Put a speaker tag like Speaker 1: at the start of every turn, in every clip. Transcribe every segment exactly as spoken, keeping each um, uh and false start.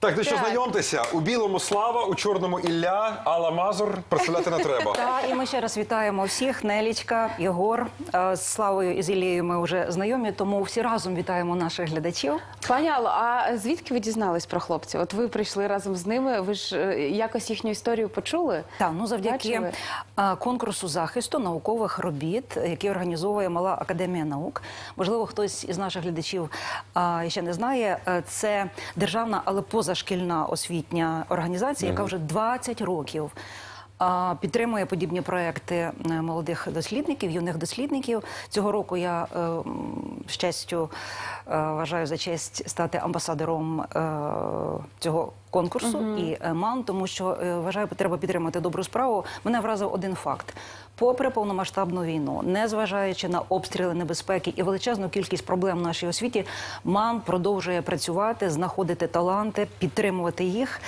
Speaker 1: Так, ну що,
Speaker 2: Так.
Speaker 1: знайомтеся. У білому Слава, у чорному Ілля, Алла Мазур. Представляти не треба.
Speaker 3: Так, і ми ще раз вітаємо всіх. Нелічка, Єгор. Е, З Славою і з Іллею ми вже знайомі, тому всі разом вітаємо наших глядачів.
Speaker 2: Пані Алло, а звідки ви дізнались про хлопців? От ви прийшли разом з ними, ви ж е, якось їхню історію почули?
Speaker 3: Так, ну завдяки
Speaker 2: Бачили?
Speaker 3: е, конкурсу захисту наукових робіт, який організовує Мала академія наук. Можливо, хтось із наших глядачів е, ще не знає. Е, Це державна, але позашкільна освітня організація, яка вже двадцять років а, підтримує подібні проекти е, молодих дослідників, юних дослідників. Цього року я е, м, з честю е, вважаю за честь стати амбасадором е, цього конкурсу і е, МАН, тому що е, вважаю, треба підтримати добру справу. Мене вразив один факт. Попри повномасштабну війну, незважаючи на обстріли, небезпеки і величезну кількість проблем в нашій освіті, МАН продовжує працювати, знаходити таланти, підтримувати їх.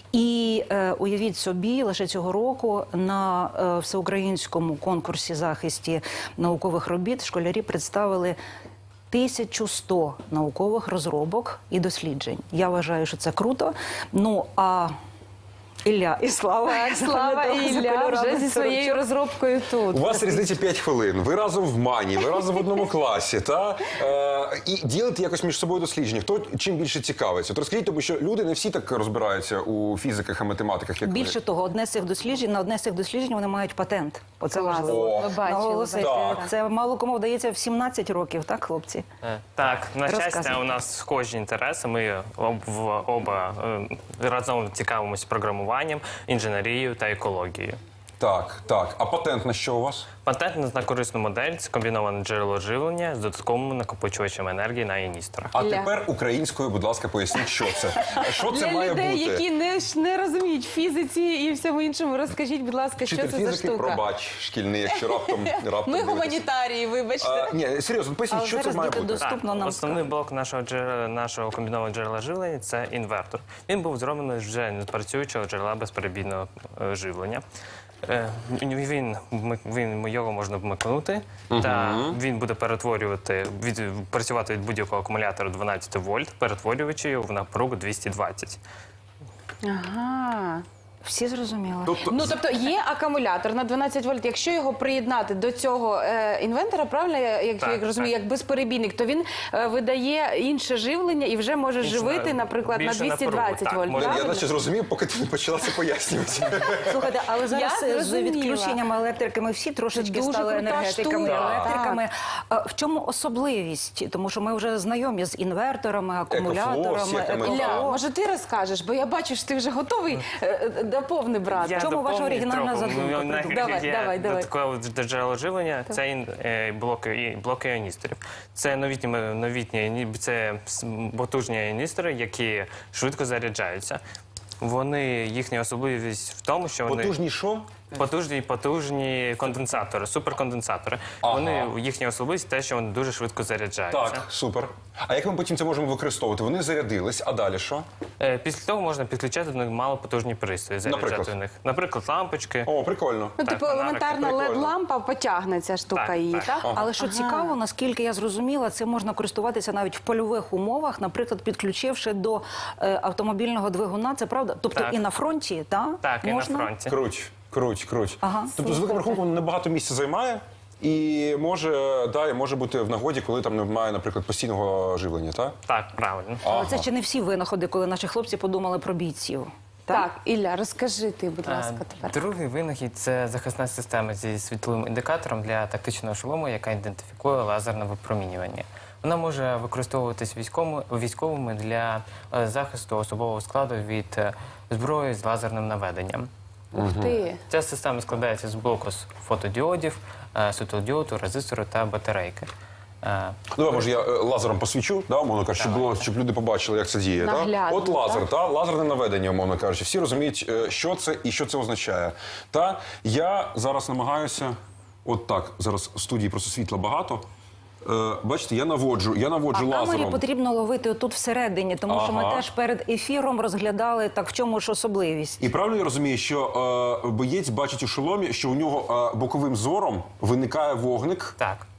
Speaker 3: І е, уявіть собі, лише цього року на е, всеукраїнському конкурсі захисті наукових робіт школярі представили тисячу сто наукових розробок і досліджень. Я вважаю, що це круто. Ну, а Ілля і Слава.
Speaker 2: Так, Слава і Ілля вже зі своєю розробкою тут.
Speaker 1: У вас різниця п'ять хвилин. Ви разом в Мані, ви разом в одному класі. Та? Е, і ділите якось між собою дослідження. Хто чим більше цікавиться? От розкажіть, тому що люди не всі так розбираються у фізиках і математиках, як
Speaker 3: Більше того, одне з цих досліджень, на одне з цих досліджень вони мають патент. Оце
Speaker 2: Клас.
Speaker 3: важливо.
Speaker 2: Ми бачили.
Speaker 3: наголосити.
Speaker 1: Так.
Speaker 3: Це мало кому вдається в сімнадцять років, так, хлопці?
Speaker 4: Е, Так, на щастя,
Speaker 3: Розказуй.
Speaker 4: у нас схожі інтереси. Ми об, в, оба е, разом цікавимося програмуванням, інженерією та екологією.
Speaker 1: Так, так. А патент на що у вас?
Speaker 4: Патент на корисну модель – це комбіноване джерело живлення з додатковими накопичувачами енергії на іністорах.
Speaker 1: А
Speaker 2: Ілля.
Speaker 1: тепер українською, будь ласка, поясніть, що це. Що це
Speaker 2: Для
Speaker 1: має
Speaker 2: людей,
Speaker 1: бути?
Speaker 2: які не, ж не розуміють фізиці і всьому іншому, розкажіть, будь ласка, що
Speaker 1: Вчитель
Speaker 2: це за
Speaker 1: фізики,
Speaker 2: штука?
Speaker 1: пробач, шкільний, якщо раптом, раптом
Speaker 2: Ми
Speaker 1: дивитесь.
Speaker 2: гуманітарії, вибачте.
Speaker 1: А, ні, серйозно, поясніть,
Speaker 3: Але
Speaker 1: що це
Speaker 3: зараз
Speaker 1: має
Speaker 3: діти
Speaker 1: бути?
Speaker 3: доступ- Доступно нам
Speaker 4: Основний
Speaker 3: скажуть.
Speaker 4: блок нашого джерела, нашого комбінованого джерела живлення – це інвертор. Він був зроблений з вже непрацюючого джерела безперебійного е, живлення. Е, Він, вмик- він його можна вмикнути, та він буде перетворювати, від, працювати від будь-якого акумулятора дванадцять вольт, перетворюючи його в напругу двісті двадцять.
Speaker 2: Ага.
Speaker 3: Всі зрозуміли?
Speaker 1: Тобто,
Speaker 2: Ну, тобто є акумулятор на дванадцять вольт. Якщо його приєднати до цього е, інвентора, правильно, я- як,
Speaker 4: Так,
Speaker 2: як розумію,
Speaker 4: так.
Speaker 2: як безперебійник, то він е, видає інше живлення і вже може
Speaker 4: Інше,
Speaker 2: живити, наприклад, на
Speaker 4: більше
Speaker 2: двісті
Speaker 4: напругу,
Speaker 2: двадцять
Speaker 4: так,
Speaker 2: вольт.
Speaker 4: може,
Speaker 1: я
Speaker 2: правильно?
Speaker 1: наче зрозумів, поки ти не почала це пояснювати.
Speaker 3: Слухайте, але зараз
Speaker 2: Я
Speaker 3: з
Speaker 2: зрозуміла.
Speaker 3: відключенням електрики ми всі трошечки
Speaker 2: Дуже
Speaker 3: стали
Speaker 2: крута
Speaker 3: енергетиками,
Speaker 2: штука.
Speaker 3: електриками. А в чому особливість? Тому що ми вже знайомі з інверторами, акумуляторами,
Speaker 1: всякими,
Speaker 3: екофло.
Speaker 2: Ілля, може ти розкажеш, бо я бачу, що ти вже готовий е, е, доповни брати.
Speaker 4: Я
Speaker 3: чому ваша
Speaker 4: доповню
Speaker 3: оригінальна
Speaker 4: трохи.
Speaker 3: задумка?
Speaker 4: Ну,
Speaker 3: Придумай.
Speaker 2: Давай,
Speaker 4: є
Speaker 2: давай, давай.
Speaker 4: Додаткове джерело живлення – це ін- е, блоки, і- блоки іоністорів. Це новітні, новітні іні- це с- потужні іоністори, які швидко заряджаються. Вони, їхня особливість в тому, що вони
Speaker 1: Потужні що?
Speaker 4: потужні, потужні конденсатори, суперконденсатори.
Speaker 1: Ага.
Speaker 4: Вони, їхня особливість те, що вони дуже швидко заряджаються.
Speaker 1: Так, супер. А як ми потім це можемо використовувати? Вони зарядились, а далі що?
Speaker 4: Е, Після того можна підключати до них малопотужні пристрої, заряджати
Speaker 1: Наприклад?
Speaker 4: в них. Наприклад, лампочки.
Speaker 1: О, прикольно.
Speaker 2: Ну,
Speaker 4: Так,
Speaker 2: типу,
Speaker 4: фонарики.
Speaker 2: елементарна
Speaker 1: Прикольно.
Speaker 2: лед-лампа потягне ця штука
Speaker 4: Так,
Speaker 2: її,
Speaker 4: так.
Speaker 2: так?
Speaker 3: Але що цікаво, наскільки я зрозуміла, це можна користуватися навіть в польових умовах, наприклад, підключивши до е, автомобільного двигуна. Це правда? Тобто
Speaker 4: Так.
Speaker 3: і на фронті, та?
Speaker 4: Так,
Speaker 3: можна?
Speaker 4: і на фронті.
Speaker 1: Круть, круть, круть.
Speaker 3: Ага.
Speaker 1: Тобто, з великим рахунком, небагато місця займає. І може, да, і може бути в нагоді, коли там немає, наприклад, постійного живлення, так?
Speaker 4: Так, правильно.
Speaker 3: Але це ще не всі винаходи, коли наші хлопці подумали про бійців.
Speaker 2: Так, Ілля, розкажи ти, будь ласка,
Speaker 4: Е,
Speaker 2: тепер.
Speaker 4: Другий винахід – це захисна система зі світловим індикатором для тактичного шолому, яка ідентифікує лазерне випромінювання. Вона може використовуватись військовими, військовими для е, захисту особового складу від е, зброї з лазерним наведенням.
Speaker 2: Ух ти.
Speaker 4: Ця система складається з блоку з фотодіодів, е, світлодіоду, резистору та батарейки. Е,
Speaker 1: Давай, може, я е, лазером посвічу, да, умовно кажучи, щоб, було, щоб люди побачили, як це діє.
Speaker 2: Наглядно,
Speaker 1: Та? От лазер,
Speaker 2: так?
Speaker 1: та? Лазерне наведення, умовно кажучи. Всі розуміють, е, що це і що це означає. Та? Я зараз намагаюся, от так, зараз в студії просто світла багато. Е, бачите, я наводжу, я
Speaker 3: А
Speaker 1: наводжу
Speaker 3: камері
Speaker 1: лазером.
Speaker 3: потрібно ловити тут всередині, тому що ми
Speaker 1: Ага.
Speaker 3: теж перед ефіром розглядали, так в чому ж особливість.
Speaker 1: І правильно я розумію, що е, боєць бачить у шоломі, що у нього е, боковим зором виникає вогник.
Speaker 4: Так.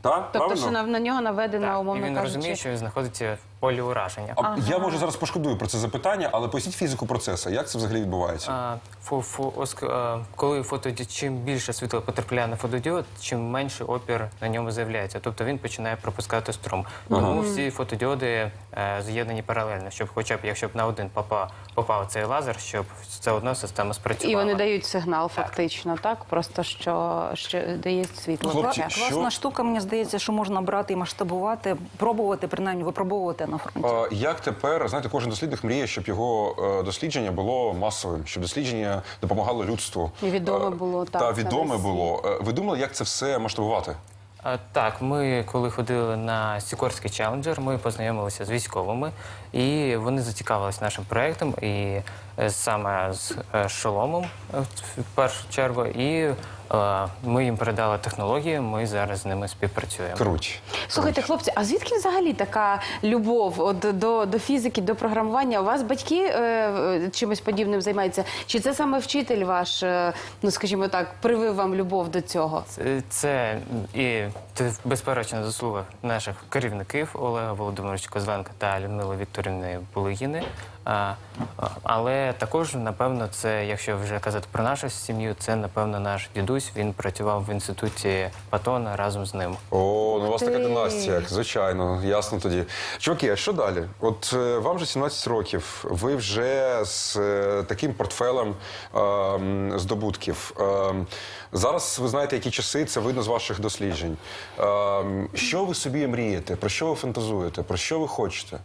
Speaker 1: Так?
Speaker 2: Тобто,
Speaker 1: Правильно?
Speaker 2: що на, на нього наведено,
Speaker 4: Так, і
Speaker 2: умовно
Speaker 4: він
Speaker 2: кажучи.
Speaker 4: розуміє, що він знаходиться в полі ураження.
Speaker 1: А Я може зараз пошкодую про це запитання, але поясніть фізику процесу. Як це взагалі відбувається?
Speaker 4: А, фо, фо, оск- а, коли фотодіод, чим більше світла потрапляє на фотодіод, чим менше опір на ньому з'являється. Тобто він починає пропускати струм. Тому всі фотодіоди е, з'єднані паралельно, щоб хоча б, якщо б на один попав, попав цей лазер, щоб все одно система спрацювала.
Speaker 2: І вони дають сигнал, фактично, так? Просто що, що дає світло.
Speaker 1: Хлопці,
Speaker 2: таке.
Speaker 1: що-
Speaker 3: Класна штука, мені здається, що можна брати і масштабувати, пробувати, принаймні випробовувати на фронті.
Speaker 1: А, Як тепер, знаєте, кожен дослідник мріє, щоб його е, дослідження було масовим, щоб дослідження допомагало людству.
Speaker 2: І відоме
Speaker 1: Е,
Speaker 2: було, так,
Speaker 1: Та
Speaker 2: на
Speaker 1: відоме
Speaker 2: весь
Speaker 1: було. Е, Ви думали, як це все масштабувати?
Speaker 4: А, Так, ми коли ходили на Сікорський челенджер, ми познайомилися з військовими, і вони зацікавилися нашим проєктом, і е, саме з е, шоломом е, в першу чергу. І е, ми їм передали технології, ми зараз з ними співпрацюємо.
Speaker 1: Круть.
Speaker 2: Слухайте, хлопці, а звідки взагалі така любов от, до, до фізики, до програмування? У вас батьки е, чимось подібним займаються? Чи це саме вчитель ваш, е, ну скажімо так, привив вам любов до цього?
Speaker 4: Це, це і це безперечна заслуга наших керівників Олега Володимировича Козленка та Людмили Вікторівни Булигіни. А, а, але також, напевно, це, якщо вже казати про нашу сім'ю, це, напевно, наш дідусь. Він працював в інституті Патона разом з ним.
Speaker 1: О, ну у вас така
Speaker 2: Ти.
Speaker 1: династія, звичайно, ясно тоді. Чуваки, а що далі? От е, вам вже сімнадцять років, ви вже з е, таким портфелем е, м, здобутків. Е, м, зараз ви знаєте, які часи, це видно з ваших досліджень. Е, м, що ви собі мрієте? Про що ви фантазуєте? Про що ви хочете?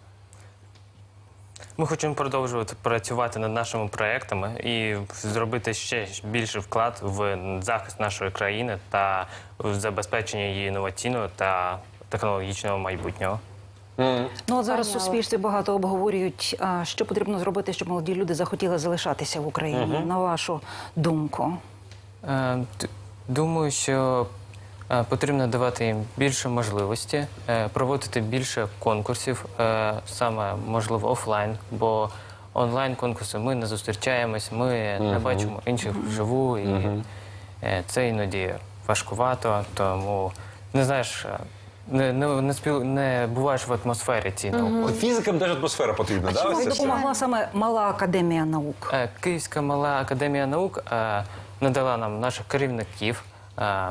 Speaker 4: Ми хочемо продовжувати працювати над нашими проектами і зробити ще більший вклад в захист нашої країни та в забезпечення її інноваційного та технологічного майбутнього.
Speaker 3: Ну от зараз в
Speaker 2: Понятно.
Speaker 3: суспільстві багато обговорюють, а, що потрібно зробити, щоб молоді люди захотіли залишатися в Україні. На вашу думку?
Speaker 4: Е, д- Думаю, що е, потрібно давати їм більше можливості, е, проводити більше конкурсів, е, саме можливо офлайн, бо онлайн конкурси ми не зустрічаємось, ми не бачимо інших вживу, і е, це іноді важкувато, тому не знаєш. е, Не, не, не, спіл... не буваєш в атмосфері цій науковій.
Speaker 1: Фізикам теж атмосфера потрібна, да?
Speaker 3: Чому
Speaker 1: Це все?
Speaker 3: допомогла саме мала академія наук?
Speaker 4: Е, Київська мала академія наук е, надала нам наших керівників е,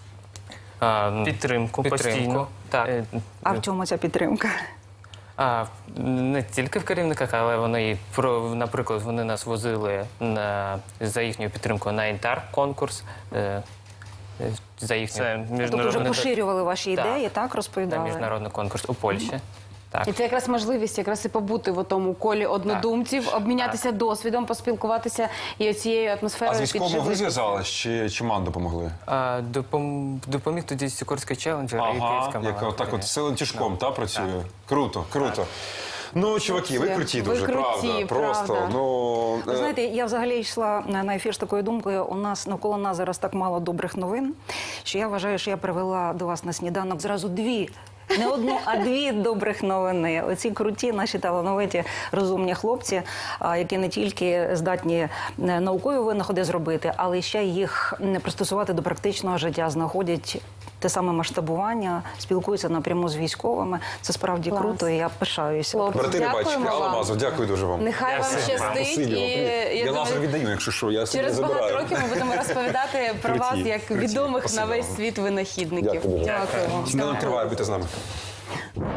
Speaker 4: е, підтримку, постійну. Так. Е,
Speaker 3: А в чому ця підтримка?
Speaker 4: А, не тільки в керівниках, але вони, і про- наприклад, вони нас возили на, за їхньою підтримкою на інтар-конкурс. Е, е, за їхню це
Speaker 3: Тобто вже
Speaker 4: міжнародний,
Speaker 3: поширювали ваші
Speaker 4: Так.
Speaker 3: ідеї, так,
Speaker 4: та,
Speaker 3: розповідали?
Speaker 4: міжнародний конкурс у Польщі. Так.
Speaker 2: І це якраз можливість якраз і побути в тому колі однодумців, обмінятися досвідом, поспілкуватися і оцією
Speaker 1: А
Speaker 2: атмосферою
Speaker 1: з військовими ви
Speaker 2: підживитися.
Speaker 1: зв'язались чи, чи ман допомогли?
Speaker 4: А, допом, допоміг тоді Сікорський челенджер і Київська
Speaker 1: Ага,
Speaker 4: мала
Speaker 1: яка так от
Speaker 4: академія.
Speaker 1: силен тяжком, та працює. Круто, круто. Ну, чуваки, ви
Speaker 2: Це-
Speaker 1: круті
Speaker 2: ви
Speaker 1: дуже,
Speaker 2: круті,
Speaker 1: правда. Просто,
Speaker 2: правда.
Speaker 1: ну...
Speaker 3: Ви
Speaker 1: е,
Speaker 3: знаєте, я взагалі йшла на на ефір з такою думкою. У нас навколо нас зараз так мало добрих новин, що я вважаю, що я привела до вас на сніданок зразу дві. Не одну, а дві добрих новини. Оці круті, наші талановиті, розумні хлопці, а, які не тільки здатні е, наукові винаходи зробити, але ще їх м, пристосувати до практичного життя, знаходять те саме масштабування, спілкуються напряму з військовими. Це справді
Speaker 2: Клас.
Speaker 3: круто, і я пишаюся.
Speaker 2: Хлопці,
Speaker 1: Брати рибачки,
Speaker 2: дякуємо
Speaker 1: Алла
Speaker 2: вам.
Speaker 1: Мазов, дякую дуже вам.
Speaker 2: Нехай вам
Speaker 4: Дякую.
Speaker 2: щастить.
Speaker 1: Спасибі
Speaker 2: І,
Speaker 1: вам.
Speaker 2: я
Speaker 1: Я
Speaker 2: думаю,
Speaker 1: лазер віддаю, якщо що, я собі
Speaker 2: через
Speaker 1: забираю.
Speaker 2: багато років ми будемо розповідати про
Speaker 1: Круті,
Speaker 2: вас як
Speaker 1: круті.
Speaker 2: відомих на
Speaker 1: Спасибо
Speaker 2: весь
Speaker 1: вам.
Speaker 2: світ винахідників.
Speaker 1: Дякую дуже.
Speaker 2: Дякую вам.
Speaker 1: Сніданок триває, будьте з нами.